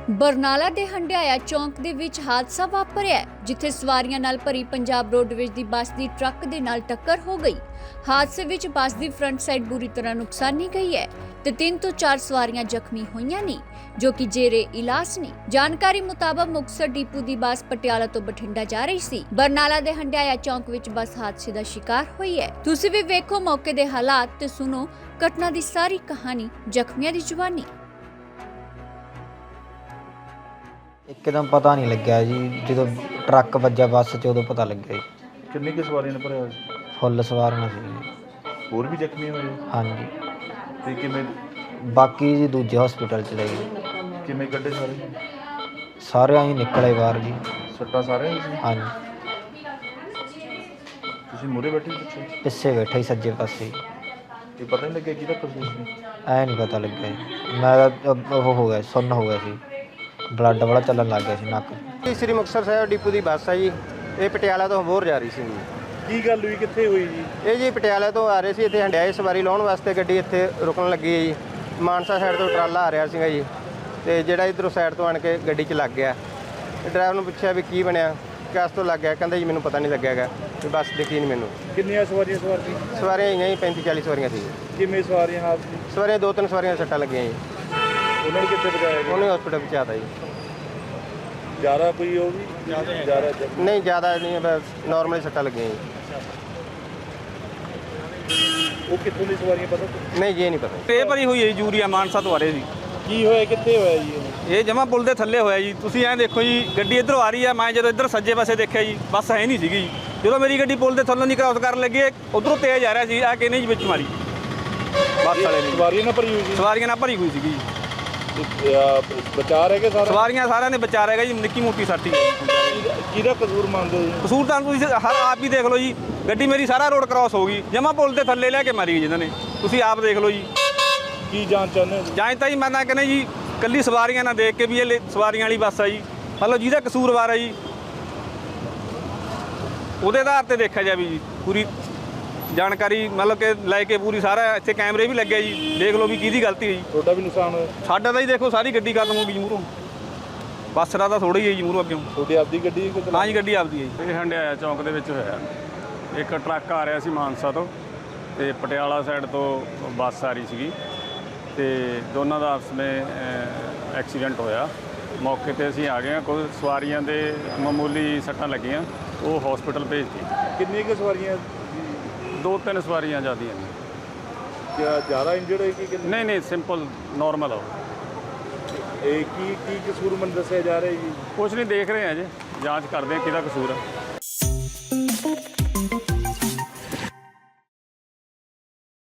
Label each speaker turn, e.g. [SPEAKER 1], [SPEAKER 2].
[SPEAKER 1] ਬਰਨਾਲਾ ਦੇ ਹੰਡਿਆਇਆ ਚੌਂਕ ਦੇ ਵਿੱਚ ਹਾਦਸਾ ਵਾਪਰਿਆ ਜਿੱਥੇ ਸਵਾਰੀਆਂ ਨਾਲ ਭਰੀ ਪੰਜਾਬ ਰੋਡਵੇਜ਼ ਦੀ ਬੱਸ ਦੀ ਟਰੱਕ ਦੇ ਨਾਲ ਟੱਕਰ ਹੋ ਗਈ। ਹਾਦਸੇ ਵਿੱਚ ਬੱਸ ਦੀ ਫਰੰਟ ਸਾਈਡ ਬੁਰੀ ਤਰ੍ਹਾਂ ਨੁਕਸਾਨੀ ਗਈ ਹੈ ਤੇ 3 ਤੋਂ 4 ਸਵਾਰੀਆਂ ਜ਼ਖਮੀ ਹੋਈਆਂ ਨੇ ਜੋ ਕਿ ਜੇਰੇ ਇਲਾਜ ਨੇ। ਜਾਣਕਾਰੀ ਮੁਤਾਬਕ ਮੁਕਤਸਰ ਡਿਪੂ ਦੀ ਬੱਸ ਪਟਿਆਲਾ ਤੋਂ ਬਠਿੰਡਾ ਜਾ ਰਹੀ ਸੀ। ਬਰਨਾਲਾ ਦੇ ਹੰਡਿਆਇਆ ਚੌਂਕ ਵਿੱਚ ਬੱਸ ਹਾਦਸੇ ਦਾ ਸ਼ਿਕਾਰ ਹੋਈ ਹੈ। ਤੁਸੀਂ ਵੀ ਵੇਖੋ ਮੌਕੇ ਦੇ ਹਾਲਾਤ ਤੇ ਸੁਣੋ ਘਟਨਾ ਦੀ ਸਾਰੀ ਕਹਾਣੀ ਜ਼ਖਮੀਆਂ ਦੀ ਜ਼ੁਬਾਨੀ।
[SPEAKER 2] ਇੱਕਦਮ ਪਤਾ ਨਹੀਂ ਲੱਗਿਆ ਜੀ, ਜਦੋਂ ਟਰੱਕ ਵੱਜਾ ਬੱਸ 'ਚ ਉਦੋਂ ਪਤਾ ਲੱਗਿਆ ਜੀ।
[SPEAKER 3] ਕਿੰਨੀ ਕੁ ਸਵਾਰੀਆਂ ਨੇ ਭਰਿਆ ਹੋਇਆ ਸੀ?
[SPEAKER 2] ਫੁੱਲ ਸਵਾਰੀਆਂ ਸੀ ਜੀ।
[SPEAKER 3] ਹੋਰ ਵੀ ਜ਼ਖਮੀ ਹੋਏ?
[SPEAKER 2] ਹਾਂਜੀ,
[SPEAKER 3] ਤੇ ਕਿਵੇਂ
[SPEAKER 2] ਬਾਕੀ ਜੀ ਦੂਜੇ ਹਸਪੀਟਲ ਚ ਲੈ ਗਏ।
[SPEAKER 3] ਕਿਵੇਂ ਕੱਢੇ ਸਾਰੇ?
[SPEAKER 2] ਸਾਰੇ ਆਈ ਨਿਕਲੇ ਬਾਹਰ ਜੀ।
[SPEAKER 3] ਸੱਟਾਂ ਸਾਰਿਆਂ ਨੂੰ ਸੀ?
[SPEAKER 2] ਹਾਂਜੀ,
[SPEAKER 3] ਤੁਸੀਂ ਮੂਹਰੇ ਬੈਠੇ ਸੀ ਪਿੱਛੇ?
[SPEAKER 2] ਪਿੱਛੇ ਬੈਠਾ ਹੀ ਸੱਜੇ ਪਾਸੇ।
[SPEAKER 3] ਇਹ ਪਤਾ ਨਹੀਂ ਲੱਗਿਆ ਕਿਹਦਾ ਕਸੂਰ ਸੀ?
[SPEAKER 2] ਐ ਨਹੀਂ ਪਤਾ ਲੱਗਿਆ ਜੀ। ਮੈਂ ਤਾਂ ਉਹ ਹੋ ਗਿਆ, ਸੁੰਨ ਹੋ ਗਿਆ ਸੀ, ਬਲੱਡ ਵਾਲਾ ਚੱਲਣ ਲੱਗ ਗਿਆ ਸੀ ਨੱਕ।
[SPEAKER 4] ਸ੍ਰੀ ਮੁਕਤਸਰ ਸਾਹਿਬ ਡਿਪੂ ਦੀ ਬੱਸ ਹੈ ਜੀ। ਇਹ ਪਟਿਆਲਾ ਤੋਂ ਅਬੋਹਰ ਜਾ ਰਹੀ ਸੀ ਜੀ।
[SPEAKER 3] ਕੀ ਗੱਲ ਹੋਈ, ਕਿੱਥੇ ਹੋਈ ਜੀ?
[SPEAKER 4] ਇਹ ਜੀ ਪਟਿਆਲਾ ਤੋਂ ਆ ਰਹੇ ਸੀ, ਇੱਥੇ ਹੰਡਿਆਏ ਸਵਾਰੀ ਲਾਉਣ ਵਾਸਤੇ ਗੱਡੀ ਇੱਥੇ ਰੁਕਣ ਲੱਗੀ ਹੈ ਜੀ। ਮਾਨਸਾ ਸਾਈਡ ਤੋਂ ਟਰਾਲਾ ਆ ਰਿਹਾ ਸੀਗਾ ਜੀ, ਤੇ ਜਿਹੜਾ ਇੱਧਰੋਂ ਸਾਈਡ ਤੋਂ ਆਣ ਕੇ ਗੱਡੀ 'ਚ ਲੱਗ ਗਿਆ। ਡਰਾਈਵਰ ਨੂੰ ਪੁੱਛਿਆ ਵੀ ਕੀ ਬਣਿਆ, ਕਿਸ ਤੋਂ ਲੱਗ ਗਿਆ, ਕਹਿੰਦਾ ਜੀ ਮੈਨੂੰ ਪਤਾ ਨਹੀਂ ਲੱਗਿਆ ਹੈਗਾ, ਵੀ ਬੱਸ ਦਿਖੀ ਨਹੀਂ ਮੈਨੂੰ।
[SPEAKER 3] ਕਿੰਨੀਆਂ ਸਵਾਰੀਆਂ ਸਵਾਰ ਸੀ?
[SPEAKER 4] ਸਵਾਰੀਆਂ ਹੈਗੀਆਂ ਜੀ 35-40 ਸਵਾਰੀਆਂ ਸੀ।
[SPEAKER 3] ਕਿਵੇਂ ਸਵਾਰੀਆਂ ਹਾਲਤ ਸੀ?
[SPEAKER 4] ਸਵਾਰੀਆਂ 2-3 ਸਵਾਰੀਆਂ ਸੱਟਾਂ ਲੱਗੀਆਂ ਜੀ।
[SPEAKER 3] ਉਹਨਾਂ ਨੂੰ ਕਿੱਥੇ ਪਹੁੰਚਾਇਆ ਗਿਆ?
[SPEAKER 4] ਉਹਨੇ ਹਸਪੀਟਲ ਪਹੁੰਚਾਤਾ ਜੀ।
[SPEAKER 3] ਜ਼ਿਆਦਾ ਕੋਈ ਉਹ ਵੀ ਜ਼ਿਆਦਾ
[SPEAKER 4] ਨਹੀਂ ਜ਼ਿਆਦਾ ਨਹੀਂ, ਬਸ ਨਾਰਮਲੀ ਸੱਟਾਂ ਲੱਗੀਆਂ ਜੀ।
[SPEAKER 3] ਉਹ ਕਿੱਥੋਂ ਦੀ ਸਵਾਰੀਆਂ ਪਤਾ?
[SPEAKER 4] ਨਹੀਂ ਜੀ, ਇਹ ਨਹੀਂ ਪਤਾ।
[SPEAKER 5] ਇਹ ਭਰੀ ਹੋਈ ਹੈ ਜੀ, ਯੂਰੀਆ ਮਾਨਸਾ ਤੋਂ ਆ ਰਹੇ ਸੀ।
[SPEAKER 3] ਕੀ ਹੋਇਆ, ਕਿੱਥੇ ਹੋਇਆ ਜੀ
[SPEAKER 5] ਇਹ ਜਮਾ ਪੁਲ ਦੇ ਥੱਲੇ ਹੋਇਆ ਜੀ। ਤੁਸੀਂ ਐਂ ਦੇਖੋ ਜੀ, ਗੱਡੀ ਇੱਧਰੋਂ ਆ ਰਹੀ ਹੈ। ਮੈਂ ਜਦੋਂ ਇੱਧਰ ਸੱਜੇ ਪਾਸੇ ਦੇਖਿਆ ਜੀ, ਬੱਸ ਹੈ ਨਹੀਂ ਸੀਗੀ ਜੀ। ਜਦੋਂ ਮੇਰੀ ਗੱਡੀ ਪੁਲ ਦੇ ਥੱਲੋਂ ਦੀ ਕ੍ਰਾਸ ਕਰਨ ਲੱਗੀ, ਉੱਧਰੋਂ ਤੇਜ਼ ਆ ਰਿਹਾ ਸੀ, ਆ ਕੇ ਨਹੀਂ ਜੀ ਵਿੱਚ ਮਾਰੀ ਬੱਸ ਵਾਲੇ ਨੇ।
[SPEAKER 3] ਸਵਾਰੀਆਂ ਨਾਲ ਭਰੀ ਹੋਈ ਸੀ?
[SPEAKER 5] ਸਵਾਰੀਆਂ ਨਾਲ ਭਰੀ ਹੋਈ ਸੀਗੀ ਜੀ।
[SPEAKER 3] ਬਚਾ ਰਹਿ ਗਏ ਸਾਰਾ?
[SPEAKER 5] ਸਵਾਰੀਆਂ ਸਾਰਿਆਂ ਦੇ ਬਚਾ ਰਹਿ ਗਏ ਜੀ, ਨਿੱਕੀ ਮੋਟੀ ਸੱਟ ਹੀ।
[SPEAKER 3] ਕਿਹਦਾ ਕਸੂਰ ਮੰਨਦੇ ਹੋ ਜੀ?
[SPEAKER 5] ਕਸੂਰ ਤਾਂ ਤੁਸੀਂ ਹਰ ਆਪ ਹੀ ਦੇਖ ਲਓ ਜੀ। ਗੱਡੀ ਮੇਰੀ ਸਾਰਾ ਰੋਡ ਕ੍ਰਾਸ ਹੋ ਗਈ, ਜਮਾ ਪੁਲ ਦੇ ਥੱਲੇ ਲੈ ਕੇ ਮਾਰੀ ਗਈ ਜਿਹਨਾਂ ਨੇ। ਤੁਸੀਂ ਆਪ ਦੇਖ ਲਓ ਜੀ।
[SPEAKER 3] ਕੀ ਜਾਣ ਚਾਹੁੰਦੇ ਹੋ?
[SPEAKER 5] ਜਾਂ ਤਾਂ ਜੀ ਮੈਂ ਤਾਂ ਕਹਿੰਦਾ ਜੀ, ਕੱਲੀ ਸਵਾਰੀਆਂ ਨਾ ਦੇਖ ਕੇ ਵੀ ਇਹ ਸਵਾਰੀਆਂ ਵਾਲੀ ਬੱਸ ਆ ਜੀ, ਮਤਲਬ ਜਿਹਦਾ ਕਸੂਰਵਾਰ ਹੈ ਜੀ ਉਹਦੇ ਆਧਾਰ ਤੇ ਦੇਖਿਆ ਜਾਵੇ ਜੀ। ਪੂਰੀ ਜਾਣਕਾਰੀ ਮਤਲਬ ਕਿ ਲੈ ਕੇ ਪੂਰੀ ਸਾਰਾ ਇੱਥੇ ਕੈਮਰੇ ਵੀ ਲੱਗੇ ਜੀ, ਦੇਖ ਲਓ ਵੀ ਕਿਹਦੀ ਗਲਤੀ ਹੈ ਜੀ।
[SPEAKER 3] ਤੁਹਾਡਾ ਵੀ ਨੁਕਸਾਨ ਹੋਇਆ?
[SPEAKER 5] ਸਾਡਾ ਤਾਂ ਜੀ ਦੇਖੋ ਸਾਰੀ ਗੱਡੀ ਖਤਮ ਹੋ ਗਈ ਜੀ ਮੂਹਰੋਂ। ਬੱਸ ਦਾ ਤਾਂ ਥੋੜਾ ਹੀ ਹੈ ਜੀ ਮੂਹਰੋਂ ਅੱਗੇ।
[SPEAKER 3] ਤੁਹਾਡੀ ਆਪਦੀ ਗੱਡੀ?
[SPEAKER 5] ਹਾਂ ਜੀ, ਗੱਡੀ ਆਪਦੀ ਹੈ ਜੀ।
[SPEAKER 6] ਇਹ ਹੰਡਿਆਇਆ ਚੌਂਕ ਦੇ ਵਿੱਚ ਹੋਇਆ। ਇੱਕ ਟਰੱਕ ਆ ਰਿਹਾ ਸੀ ਮਾਨਸਾ ਤੋਂ ਤੇ ਪਟਿਆਲਾ ਸਾਈਡ ਤੋਂ ਬੱਸ ਆ ਰਹੀ ਸੀਗੀ, ਤੇ ਦੋਨਾਂ ਦਾ ਆਪਸ ਵਿੱਚ ਐਕਸੀਡੈਂਟ ਹੋਇਆ। ਮੌਕੇ ਤੇ ਅਸੀਂ ਆ ਗਏ ਹਾਂ। ਕੁਝ ਸਵਾਰੀਆਂ ਦੇ ਮਾਮੂਲੀ ਸੱਟਾਂ ਲੱਗੀਆਂ, ਉਹ ਹਸਪੀਟਲ ਭੇਜਤੀ।
[SPEAKER 3] ਕਿੰਨੀਆਂ ਕੁ ਸਵਾਰੀਆਂ?
[SPEAKER 6] 2-3 ਸਵਾਰੀਆਂ ਜ਼ਿਆਦੀਆਂ ਨੇ।
[SPEAKER 3] ਕਿਆ ਜ਼ਿਆਦਾ ਇੰਜਰਡ ਹੋਈ ਕਿ
[SPEAKER 6] ਨਹੀਂ ਨਹੀਂ, ਸਿੰਪਲ ਨਾਰਮਲ ਆ।
[SPEAKER 3] ਇਹ ਕੀ ਕਸੂਰ ਮੈਨੂੰ ਦੱਸਿਆ ਜਾ ਰਿਹਾ ਜੀ?
[SPEAKER 6] ਕੁਛ ਨਹੀਂ, ਦੇਖ ਰਹੇ ਹਾਂ ਜੀ, ਜਾਂਚ ਕਰਦੇ ਹਾਂ ਕਿਹਦਾ ਕਸੂਰ ਆ।